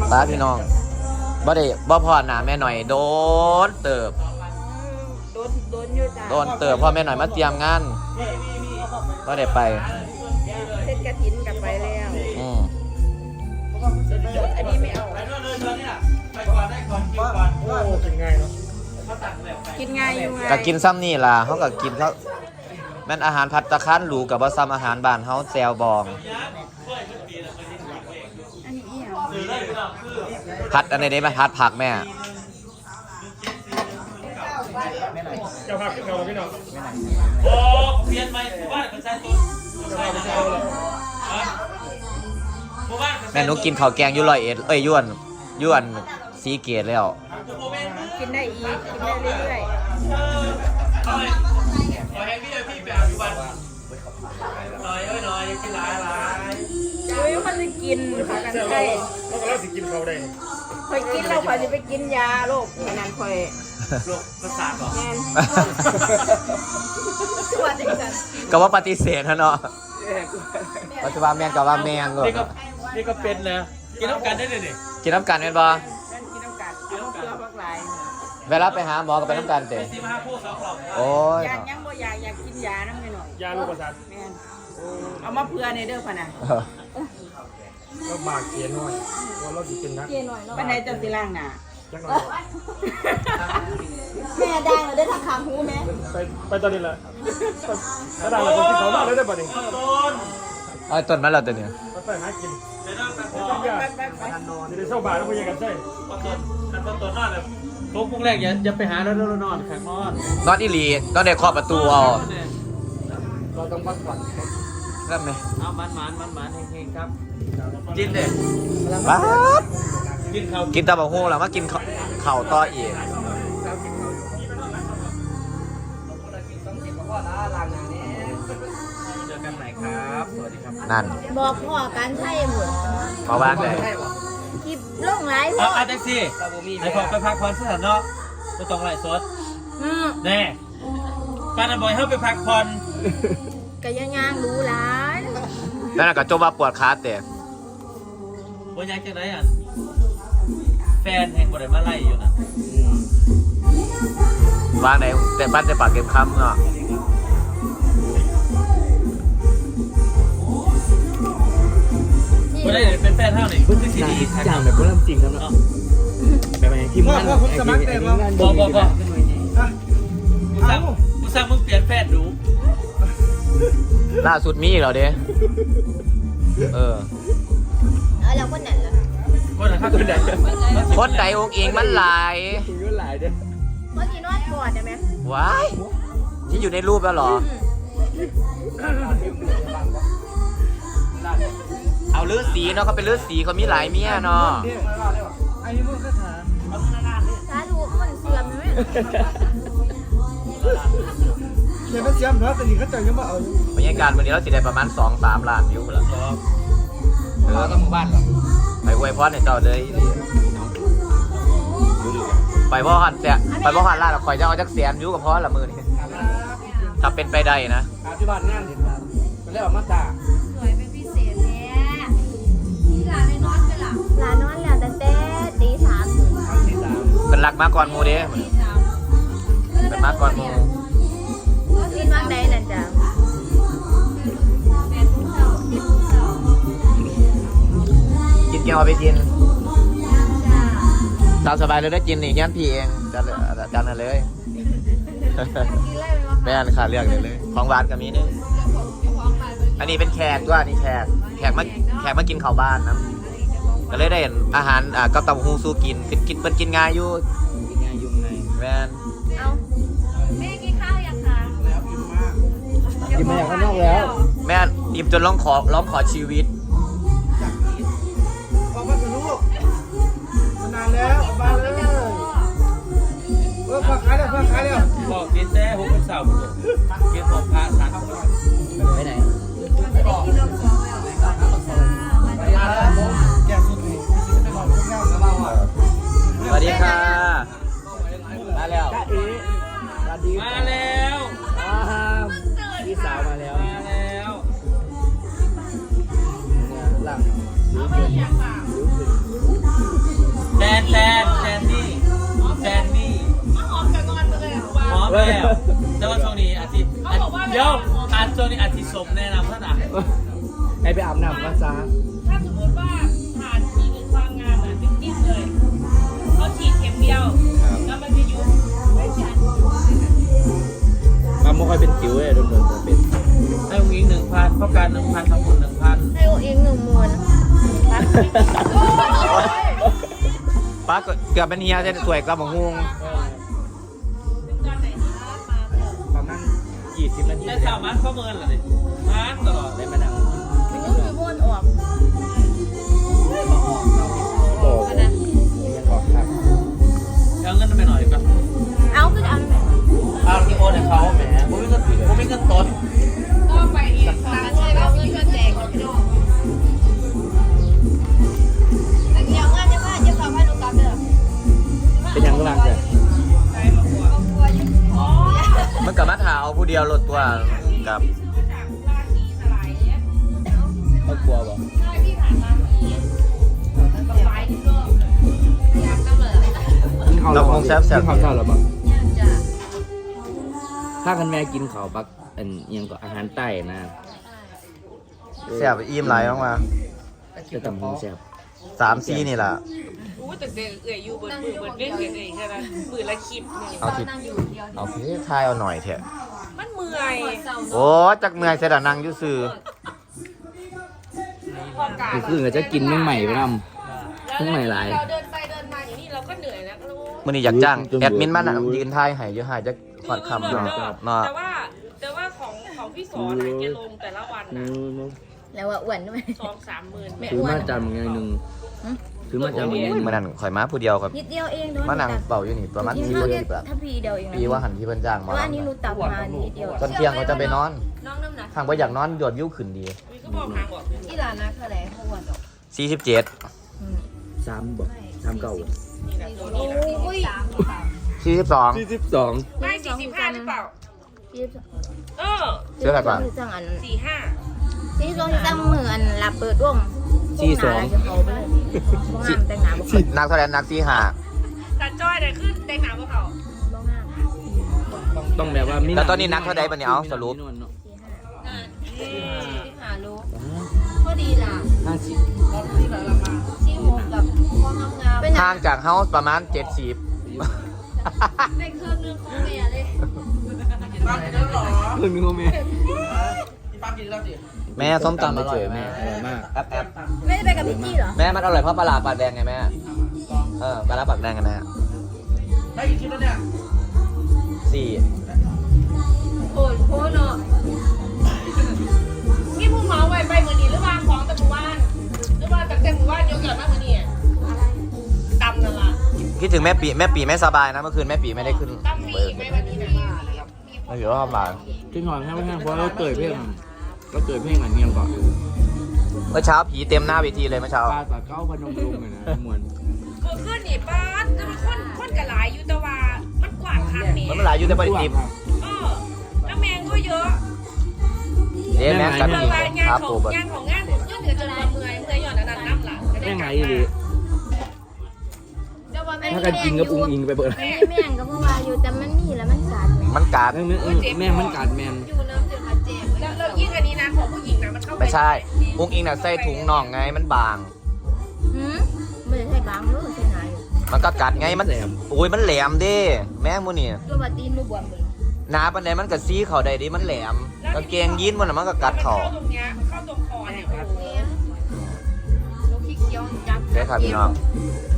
ป้าพี่น้องบ่พอหนาแม่หน่อยโดนเติบโดนอยู่จ้าโดนเติบพ่อแม่หน่อยมาเตรียมงานก็ได้ไปเทศกระถินกลับไปแล้วอันนี้ไม่เอาไปก่อนได้ก่อนกินก่อนโอ้กินง่ายเนาะกินง่ายอยู่ไงก็กินซ้ำนี่ล่ะเขาก็กินเขาแม่นอาหารผัดตะคร้านหรูกับว่าซ้ำอาหารบ้านเขาแซวบองผัดอันนี้ได้ไหมผัดผักแม่เจ้าภาพเก่าพี่น้องโอ้เปลี่ยนไปบ้านประชาชนแม่หนูกินข้าวแกงยุ่101ยวนสีเกตแล้วกินได้อีกกินได้เรื่อยๆให้พี่แบบอยู่บ้านหน่อยกินหลายมันจะกินผักกันไก่แล้วก็เราสิกินเขาได้คอยกินแล้วคอยจะไปกินยาโรคนั่นคอยโรคประสาทหรอแม่นก็ว่าปฏิเสธนะเนาะปัจจุบันแมงกับว่าแมงก็นี่ก็เป็นนะกินน้ำกันได้เลยดิกินน้ำกันเป็นบ่กินน้ำกันเอาเกลือพักหลายเวลาไปหาหมอก็ไปน้ำกันเตะโอ้ยยังบ่อยากกินยาน้ำไม่หน่อยยาลูกประสาทแม่นเอามาเพื่อในเด้อพะนะก็บากเกียร์หน่อยว่าเราจะเป็นนักปันไหนเจ้าสิล่างหนาแม่ดังเลยได้ทางขางหูไหมไปตอนนี้แหละถ้าดังเราคนที่เขาเล่าได้ป่ะนี่ต้นมันเราตัวเนี้ยไปหากินจะได้เช่าบ้านแล้วไปยังกันใช่ต้นนอนเลยทุกพวกแรกอย่าไปหาแล้วนอนข้างนอนอีหลีต้องได้เคาะประตูเอาเราต้องพักผ่อนครับไหมเอามันเฮงครับกินเด็ดบ้ากินตะบะฮู้แล้วมากินข้าวต่ออีกเจอกันใหม่ครับสวัสดีครับนั่นบอกพ่อการใช่หมดมาบ้านเลยคลิปลงไลฟ์พ่อแท็กซี่ไอ้พอไปพักผ่อนสถานเนาะก็ต้องไล่สดแน่การบ่อยเข้าไปพักผ่อนก็ยังรู้ร้านนั่นก็จมว่าปวดขาเตะวันยังจะไหนอ่ะแฟนแห่งบริมาไล่อยู่นะวางไหนแต่บ้านแต่ปากเก็บคำเนาะไม่ได้เป็นแฟนเท่าไหร่เพิ่งขึ้นซีดีจ่างแบบเริ่มจริงแล้วเนาะแบบอะไรที่มันผมสมัครเต็มแล้วบอกกูสั่งมึงเปลี่ยนแฟนดูล่าสุดมีเหรอเด้แล้วคนไหนล่ะคนไหนคนไหนองค์เองมันหลายเมื่อกี้นวดก่อนได้ไหมว้ายที่อยู่ในรูปแล้วเหรอเอาเลือดสีเนาะเขาเป็นเลือดสีเขามีหลายเมียเนาะไอ้มึงก็ถามสาธุมันเสื่อมไหมเดี๋ยวมันเสื่อมเนาะแต่นี่เขาจะยังไม่เอาบรรยากาศวันนี้เราจะได้ประมาณ 2-3 ล้านวิวแล้วต้องหมู่บ้านหรอไปอวยพรให้เจ้าเลยไปบ่หันแต่ไปบ่หันล่าเราคอยจะเอาจักแสนวิวกับพ่อละมือนี่ถ้าเป็นไปได้นะที่บ้านงานเห็นมันเรียกว่ามาตาสวยเป็นพิเศษแน่ที่ร้านในนอนเป็นหลังร้านนอนแล้วแต่ตี3 เป็นหลักมาก่อนมูเด้เป็นมาก่อนมูกินมากได้นั่นจ้ะกินเกี่ยวไปกินตามสบายเลยได้กินนี่งั้นพี่เองจันเลยแม่นขาเลือกเลยของหวานกับมีนี่อันนี้เป็นแขกด้วยนี่แขกมากินข้าวบ้านนะก็เลยได้เห็นอาหารกับเต้าหู้สู้กินเป็นกินง่ายอยู่แม่นเอาแม่กินข้าวยังคะกินมาอย่างข้างนอกแล้วแม่อิ่มจนร้องขอชีวิตบอกว่าจะลูกมานานแล้วมาเลยเพิ่งขายแล้วบอกกินแท้ผมเป็นสาวบุญกินของพระสันไปไหนสวัสดีค่ะมาแล้วพี่สาวมาแล้วหลังแล้วแต่ว่าช่วงนี้อาทิตย์เดี๋ยวช่วงนี้อาทิตย์สมแนะนำท่านอ่ะให้ไปอาบน้ำกันซะถ้าสมมติว่าผ่านทีนึงความงามอ่ะจิ้มๆเลยเขาฉีดเข็มเดียวแล้วมันจะยุบไม่ชันมันไม่ค่อยเป็นจิ๋วเลยโดนจะเป็นให้อุ้งอิง1,000ประกัน1,000ทำบุญ1,000 ให้อุ้งอิง10,000 ป้าเกือบเป็นเฮียเส้นสวยกระหม่อมฮุงประมาณ20 นาทีได้ข่าวมันข้อมือเหรอดิมันตลอดได้มานั่งมันก็คือวนออกโอ้ยยังออกครับเอาเงินไปหน่อยก่อนเอาคือเอาเอาที่โอนให้เขาแหมผมไม่เงินต้นก็ไปอีกร้านใช่แล้วมีเพื่อนแจกพี่น้องอันนี้เอางานจะพาจะเข้าให้ลูกกลับเด้อเป็นยังกำลังจะมันกับมาถาเอาผู้เดียวรถตัวกับจากร้านนี้สลายเนี่ยเขากลัวบ่ใช่พี่ผ่านร้านนี้ต่อไปนี่ก็อยากทำเลยเราคงแซ่บกินข้าวเช้าหรอบ่ยังจะถ้ากันแม่กินข้าวปักอันยังก็อาหารใต้นะแซ่บอิ่มหลายมากมาจะทำให้แซ่บ 3-4นี่ล่ะอู้แต่เด็กเอื่อยอยู่เบิดมือเบิดเล่นเองแค่นั้นมือละคลิปเนี่ยเอาทิเอาเพทายเอาหน่อยเถอะมันเมื่อยโอ้จักเมื่อยเสยดานั่งอยู่ซื่อพอกาคือก็จะกินเมื่อใหม่ไปนำ เมื่อไหร่หลายเราเดินไปเดินมาอย่างนี้เราก็เหนื่อยแล้วก็รู้มื้อนี้อยากจ้างแอดมินมานั่งยืนทายให้อยู่หาจักขอดคำเนาะเนาะแต่ว่าของพี่สอนอะแกลงแต่ละวันนะแล้วว่าอ้วนด้วย 2-3 หมื่นถือมาจานบางอย่างหนึ่งถือมาจานบางอย่างหนึ่งมื้อนั้นข่อยมาผู้เดียวครับนิดเดียวเองเนาะมานั่งเป่าอยู่นี่ประมาณกิน 4 ข้าวปีแค่แบบถ้าพีเดียวเองนะปีว่าหันที่เพิ่นจ้างเพมาราะว่าอันนี้หนูตับมานิดเดียวตอนเที่ยงเขาจะไปนอนน้องน้ำหนักทางบ่อยากนอนยอดวิวขึ้นดีมีก็บอกหางบอกอีหลานนะคืออะไรเขาอ้วนหรอก 47 3บอก3เก่านี่แหละตัวนี้แหละโอ้ย 42 42 ไม่45หรือเปล่า เออเชื่ออะไรป่ะสั่งอัน 45 ที่ช่วงที่ตั้งมืออันหลับเปิดวงจะเขาไปเลยบ้งามแต่งหนาบ่นักเท่าไหร่นัก45 แต่จ้อยเนี่ยขึ้นแต่งหนาพวกเขาบ้งามต้องแบบว่ามีแล้วตอนนี้นักเท่าใดบัดนี้เอาสรุป 45รู้พอดีล่ะ 50 ที่หกกับความงามเป็นห่างจากเฮาประมาณ 70 ในเครื่องนึงของแม่เลยเพิ่งมีโมเมนต์แม่ส้มตำอร่อยแม่แม่อร่อยมากแอปไม่ได้ไปกับพี่จี้เหรอแม่มันอร่อยเพราะปลาร้าปากแดงไงแม่ปลาร้าปากแดงไงแม่ได้กี่ชิ้นแล้วเนี่ย4 โอ้ยโคเนาะนี่ผู้เมาไปมือนี้หรือว่าของแต่หมู่บ้านหรือว่าแต่หมู่บ้านยกเกิดมากมือนี้ตำนั่นล่ะคิดถึงแม่ปีไม่สบายนะเมื่อคืนแม่ปีไม่ได้ขึ้นตำฟรีไหมวันนี้นะไม่ถือว่าบาดที่นอนแค่ไม่แห้งเพราะเราเกิดเพลงอันเนียงก่อนเมื่อเช้าผีเต็มหน้าเวทีเลยเมื่อเช้าปลาตะเก้าพนมรุ้งเลยนะมวนคือขึ้นนี่ป้าจะมาคนกระหลายอยู่แต่ว่ามันกว้างคักนี่มันหลายอยู่ในปฏิทินแล้วแมงก็เยอะเด้แม่กันเลจยริงว่างานครับขอปูงบัดงานของงานเงื่อนเหนือจนเมื่อยหย่อนอันนั้นน้ำหลังจะได้แม่งกไงลับดี ถ้ากันกินกับอุ้งอิงไปเปิดแม่งก็เพราะว่าอยู่แต่มันมีแล้วมันสาดแม่มันกาดแม่มันกัดแมนอยู่น้ำจนมาเจ็บแล้วยิ่งอันนี้นะของผู้หญิงนะมันเข้าไปไม่ใช่อุ้งอิงน่ะใส่ถุงน่องไงมันบางไม่ใช่บางรู้ใช่ไหมมันก็กัดไงมันโอ้ยมันแหลมเด้แม่มูนี่ตัวบัดตีนมือบวมเลยหนาปันใดมันก็ซีเข่าได้ดิมันแหลมกางเกงยีนมันน่ะมันก็กัดมันเข่าเข้าตรงเนี้ยมันเข้าตรงคอเนี่ยโอ้โหลูกขี้เกียวจับได้ครับพี่น้อง